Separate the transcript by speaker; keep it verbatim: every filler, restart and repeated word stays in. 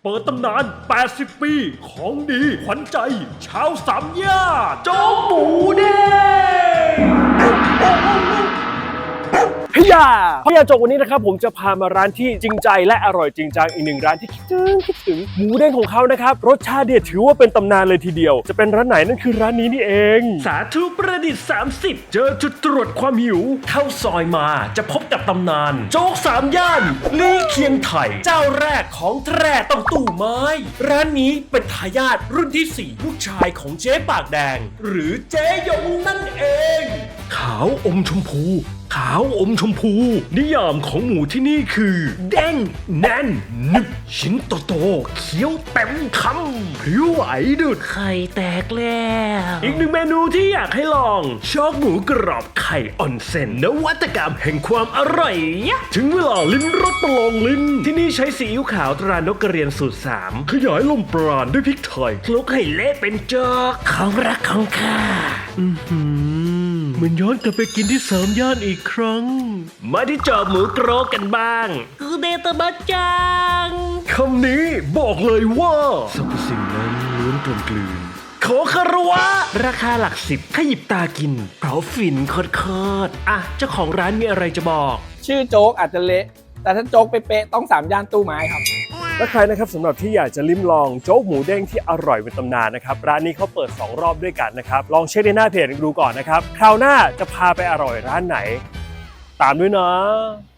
Speaker 1: เปิดตำนาน แปดสิบ ปี ของดี ขวัญใจ ชาวสามย่านโจ๊กหมูเด้งพี่ยาพี่ยาโจกวันนี้นะครับผมจะพามาร้านที่จริงใจและอร่อยจริงจังอีกหนึ่งร้านที่คิดถึงคิดถึงหมูเด้งของเขานะครับรสชาติเด็ดถือว่าเป็นตำนานเลยทีเดียวจะเป็นร้านไหนนั่นคือร้านนี้นี่เองสาธุประดิษฐ์สามสิบเจอจุดตรวจความหิวเข้าซอยมาจะพบกับตำนานโจ๊กสามย่านลี่เคียงไถ่เจ้าแรกของแตร่ต้องตู้ไม้ร้านนี้เป็นทายาทรุ่นที่สี่ลูกชายของเจ๊ปากแดงหรือเจ๊ยงนั่นเองขาวอมชมพูขาวอมชมพูนิยามของหมูที่นี่คือเด้งแน่นนึบชิ้นโตๆเคี้ยวเต็มคำผิวไหวดุดไข่แตกแล้วอีกหนึ่งเมนูที่อยากให้ลองชอกหมูกรอบไข่ออนเซ็นนวัตกรรมแห่งความอร่อยถึงเวลาลิ้มรสประลองลิ้นที่นี่ใช้ซีอิ๊วขาวตรานกกระเรียนสูตรสามขยายลมปราณด้วยพริกไทยคลุกให้เละเป็นจอกของรักของข้าอือหือเหมือนย้อนกลับไปกินที่สามย่านอีกครั้งมาที่จอบหมูกรอบกันบ้างกูเดตบัจจังคำนี้บอกเลยว่าสรรพสิ่งนั้นล้วนกลมกลืนขอคารวะราคาหลักสิบขยิบตากินเพราะฝินโคตรๆอ่ะเจ้าของร้านมีอะไรจะบอก
Speaker 2: ชื่อโจ๊กอาจจะเละแต่ถ้าโจ๊กเป๊ะๆต้องสามย่านตู้ไม้ครับ
Speaker 1: และใครนะครับสำหรับที่อยากจะลิ้มลองโจ๊กหมูเด้งที่อร่อยเป็นตำนานนะครับร้านนี้เขาเปิดสองรอบด้วยกันนะครับลองเช็คในหน้าเพจดูก่อนนะครับคราวหน้าจะพาไปอร่อยร้านไหนตามด้วยนะ